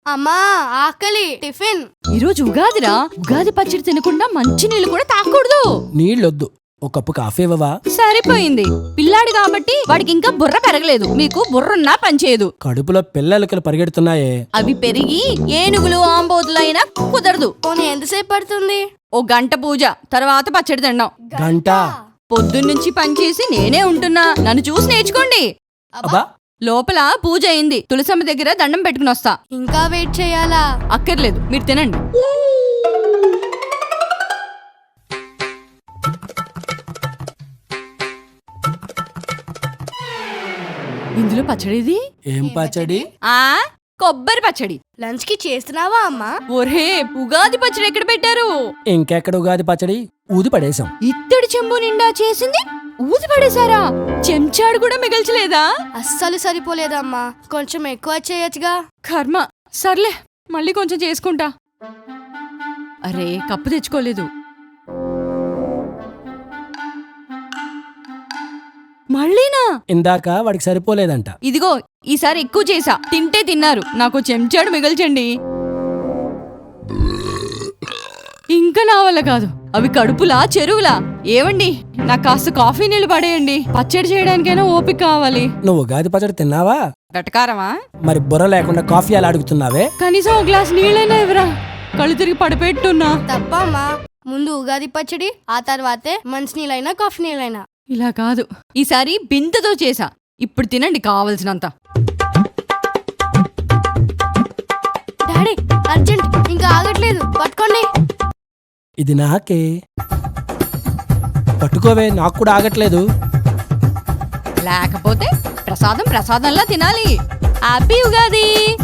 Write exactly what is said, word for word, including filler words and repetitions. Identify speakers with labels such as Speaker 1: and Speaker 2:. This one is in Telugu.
Speaker 1: అమ్మా ఆకలి టిఫిన్.
Speaker 2: ఈరోజు ఉగాదిరా. ఉగాది పచ్చడి తినకుండా మంచి నీళ్ళు కూడా తాగకూడదు.
Speaker 3: నీళ్ళొద్దు, ఒక కప్పు కాఫీ ఇవ్వవా?
Speaker 2: సరిపోయింది. పిల్లాడు కాబట్టి వాడికి ఇంకా బుర్ర పెరగలేదు. మీకు బుర్రున్నా పనిచేయదు.
Speaker 3: కడుపులో పిల్లలకి పరిగెడుతున్నాయే.
Speaker 2: అవి పెరిగి ఏనుగులు ఆంబోతులు అయినా కుదరదు.
Speaker 1: పోనీ ఎంతసేపు పడుతుంది?
Speaker 2: ఓ గంట పూజ తర్వాత పచ్చడి తినడం.
Speaker 3: గంట?
Speaker 2: పొద్దున్నుంచి పనిచేసి నేనే ఉంటున్నా. నన్ను చూసి నేర్చుకోండి.
Speaker 3: అబ్బా,
Speaker 2: లోపల పూజ అయింది. తులసమ్మ దగ్గర దండం పెట్టుకుని వస్తా.
Speaker 1: ఇంకా వెయిట్ చేయాలా?
Speaker 2: అక్కర్లేదు, మీరు తినండి. ఇందులో పచ్చడిది
Speaker 3: ఏం పచ్చడి?
Speaker 2: ఆ కొబ్బరి పచ్చడి.
Speaker 1: లంచ్ కి చేస్తున్నావా అమ్మా?
Speaker 2: ఒరే, ఉగాది పచ్చడి ఎక్కడ పెట్టారు?
Speaker 3: ఇంకెక్కడ ఉగాది పచ్చడి? ఊది పడేశాం.
Speaker 2: ఇత్తడి చెంబు నిండా చేసింది ఊది పడేశారా? చెంచాడు కూడా మిగల్చలేదా?
Speaker 1: అస్సలు సరిపోలేదమ్మా, కొంచెం ఎక్కువ చేయొచ్చుగా.
Speaker 2: కర్మ. సర్లే, మళ్ళీ కొంచెం చేసుకుంటా. అరే, కప్పు తెచ్చుకోలేదు. మళ్ళీనా?
Speaker 3: ఇందాక వాడికి సరిపోలేదంట.
Speaker 2: ఇదిగో, ఈసారి ఎక్కువ చేసా. తింటే తిన్నారు, నాకు చెంచాడు మిగల్చండి. ఇంకా నా వల్ల కాదు. అవి కడుపులా చెరువులా? ఏవండి, నాకు కాస్త కాఫీ నీళ్లు పడేయండి. పచ్చడి చేయడానికైనా ఓపిక కావాలి.
Speaker 3: నువ్వు ఉగాది పచ్చడి తిన్నావా?
Speaker 2: వెటకారమా?
Speaker 3: మరి బుర్ర లేకుండా కాఫీ అలా అడుగుతున్నావే?
Speaker 2: కనీసం ఒక గ్లాస్ నీళ్ళైనా ఇవ్వరా. కళ్ళు తిరిగి పడిపెట్టున్నా.
Speaker 1: తప్పమ్మా, ముందు ఉగాది పచ్చడి, ఆ తర్వాతే మంచినీళ్ళైనా కాఫీ నీళ్ళైనా.
Speaker 2: ఇలా కాదు, ఈసారి బిందెతో చేసా. ఇప్పుడు తినండి కావలసినంత.
Speaker 1: డాడీ అర్జెంట్, ఇంకా ఆగట్లేదు, పట్టుకోండి.
Speaker 3: ఇది నాకే. పట్టుకోవే, నాకు కూడా ఆగట్లేదు.
Speaker 2: లేకపోతే ప్రసాదం ప్రసాదంలా తినాలి. హ్యాపీ ఉగాది.